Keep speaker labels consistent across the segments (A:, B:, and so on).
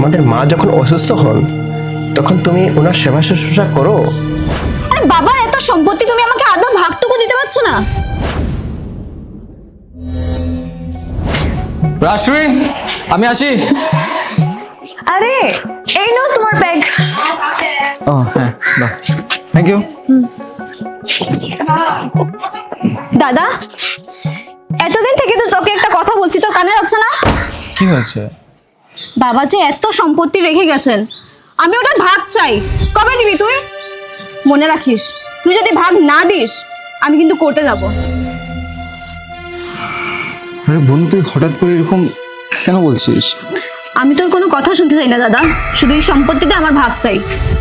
A: তোমাদের মা যখন অসুস্থ হন তখন তুমি ওনার সেবা শুশ্রূষা করো।
B: আরে বাবার এত সম্পত্তি, তুমি আমাকে আদৌ ভাগটুকু দিতে পারছো না?
C: রাজশ্রী, আমি আসি।
B: আরে এই নাও তোমার ব্যাগ।
C: ও হ্যাঁ, বাহ, থ্যাংক ইউ।
B: দাদা, এতদিন থেকে তো তোকে একটা কথা বলছি, তোর কানে যাচ্ছে না?
C: কি হয়েছে?
B: বাবা যে এত সম্পত্তি রেখে গেছেন, আমি ওটা ভাগ চাই। কবে দিবি তুই? মনে রাখিস, তুই যদি ভাগ না দিস আমি কিন্তু কোর্টে যাব।
C: আরে বন্ধু, তুই হঠাৎ করে এরকম কেন বলছিস?
B: আমি তোর কোনো কথা শুনতে চাই না দাদা, শুধু এই সম্পত্তিতে আমার ভাগ চাই।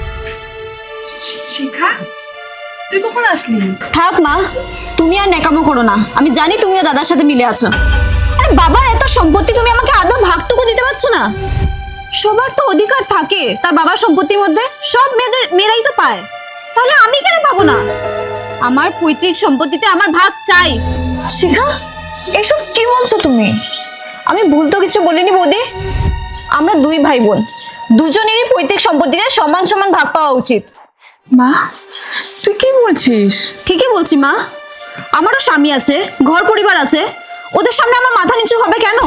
D: শিখা, তুই কখন আসলি?
B: থাক মা, তুমি আর নেকামো করো না, আমি জানি তুমিও দাদার সাথে মিলে আছো। আরে বাবার এত সম্পত্তি, তুমি আমাকে আদৌ ভাগটুকু দিতে পারছো না? সবার তো অধিকার থাকে তার বাবার সম্পত্তির মধ্যে, সব মেয়েরাই তো পায়, তাহলে আমি কেন পাবো না? আমার পৈতৃক সম্পত্তিতে আমার ভাগ চাই।
E: শিখা, এসব কি বলছো তুমি?
B: আমি ভুল তো কিছু বলিনি বৌদি। আমরা দুই ভাই বোন, দুজনেরই পৈতৃক সম্পত্তিতে সমান সমান ভাগ পাওয়া উচিত।
D: মা, তুই কি বলছিস?
B: ঠিকই বলছি মা, আমারও স্বামী আছে, ঘর পরিবার আছে, ওদের সামনে আমার মাথা নিচু হবে কেন?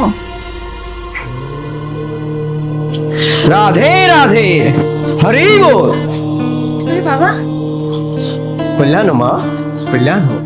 A: রাধে রাধে, হরি বল।
B: আরে বাবা,
A: কল্যাণ হোক মা, কল্যাণ হোক।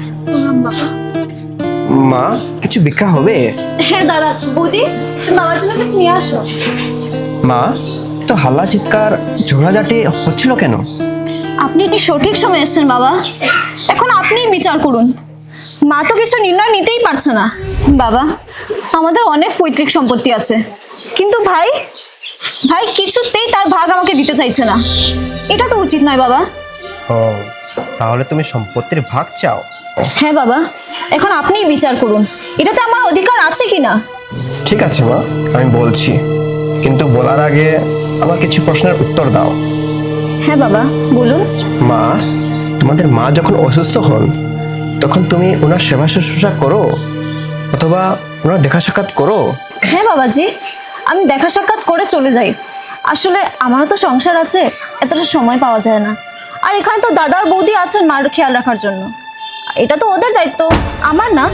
A: মা, কিছু ভিক্ষা হবে?
B: হ্যাঁ দাঁড়া বৌদি, তুমি বাবার জন্য কিছু নিয়ে আসো।
A: মা, তো হাল্লা চিৎকার ঝগড়াঝাটি হচ্ছিল কেন?
B: আপনি একটি সঠিক সময় এসেছেন বাবা, এখন আপনিই বিচার করুন। মা তো কিছু নির্ণয় নিতেই পারছে না। বাবা, আমাদের অনেক পৈতৃক সম্পত্তি আছে, কিন্তু ভাই ভাই কিছুতেই তার ভাগ আমাকে দিতে চাইছে না। এটা তো উচিত নয় বাবা।
A: ও, তাহলে তুমি সম্পত্তির ভাগ চাও?
B: হ্যাঁ বাবা, এখন আপনিই বিচার করুন, এটাতে আমার অধিকার আছে কিনা।
A: ঠিক আছে মা, আমি বলছি, কিন্তু বলার আগে আমার কিছু প্রশ্নের উত্তর দাও।
B: হ্যাঁ বাবা বলুন।
A: মা, তোমাদের মা যখন অসুস্থ হন তখন তুমি ওনার সেবা শুশ্রূষা করো অথবা ওনার দেখা সাক্ষাৎ করো?
B: হ্যাঁ বাবাজি, আমি দেখা সাক্ষাৎ করে চলে যাই। আসলে আমারও তো সংসার আছে, এতটা সময় পাওয়া যায় না। আর এখানে তো দাদা আর বৌদি আছেন মার খেয়াল রাখার জন্য, এটা তো ওদের দায়িত্ব, আমার না।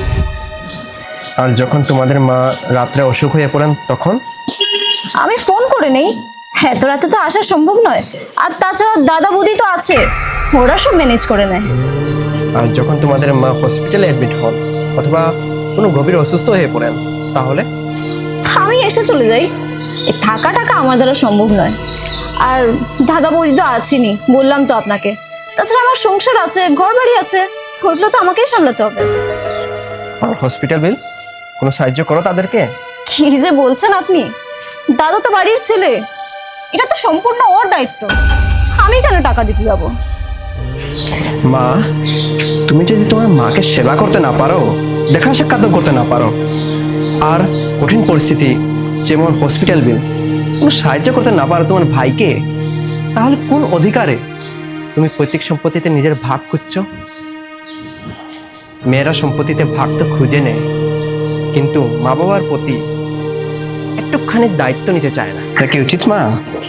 A: আর যখন তোমাদের মা রাত্রে অসুখ হয়ে পড়েন তখন?
B: আমি ফোন করে নেই, হ্যাঁ তো রাতে তো আসা সম্ভব নয়। আর তাছাড়া দাদা বৌদি তো আছে, ওরা সব ম্যানেজ করে নেয়।
A: আর যখন তোমাদের মা হসপিটালে অ্যাডমিট হন অথবা কোনো গভীর অসুস্থ হয়ে পড়েন তাহলে?
B: আমি এসে চলে যাই, এই থাকা টাকা আমার দ্বারা সম্ভব নয়। আর দাদা বৌদি তো আছেনই, বললাম তো আপনাকে। তাছাড়া আমার সংসার আছে, ঘর বাড়ি আছে, ওইগুলো তো আমাকেই সামলাতে হবে।
A: আর হসপিটাল বিল কোনো সাহায্য করো তাদেরকে?
B: কি যে বলছেন আপনি, দাদা তো বাড়ির ছেলে, এটা তো সম্পূর্ণ ওর দায়িত্ব, আমি কেন টাকা দিতে যাবো?
A: মা, তুমি যদি তোমার মাকে সেবা করতে না পারো, দেখা সাক্ষাৎ করতে না পারো, আর কঠিন পরিস্থিতি যেমন হসপিটাল বিল কোনো সাহায্য করতে না পারো তোমার ভাইকে, তাহলে কোন অধিকারে তুমি পৈতৃক সম্পত্তিতে নিজের ভাগ খুঁজছো? মেয়েরা সম্পত্তিতে ভাগ তো খুঁজে নেয়, কিন্তু মা বাবার প্রতি একটুখানি দায়িত্ব নিতে চায় না। এটা কি উচিত মা?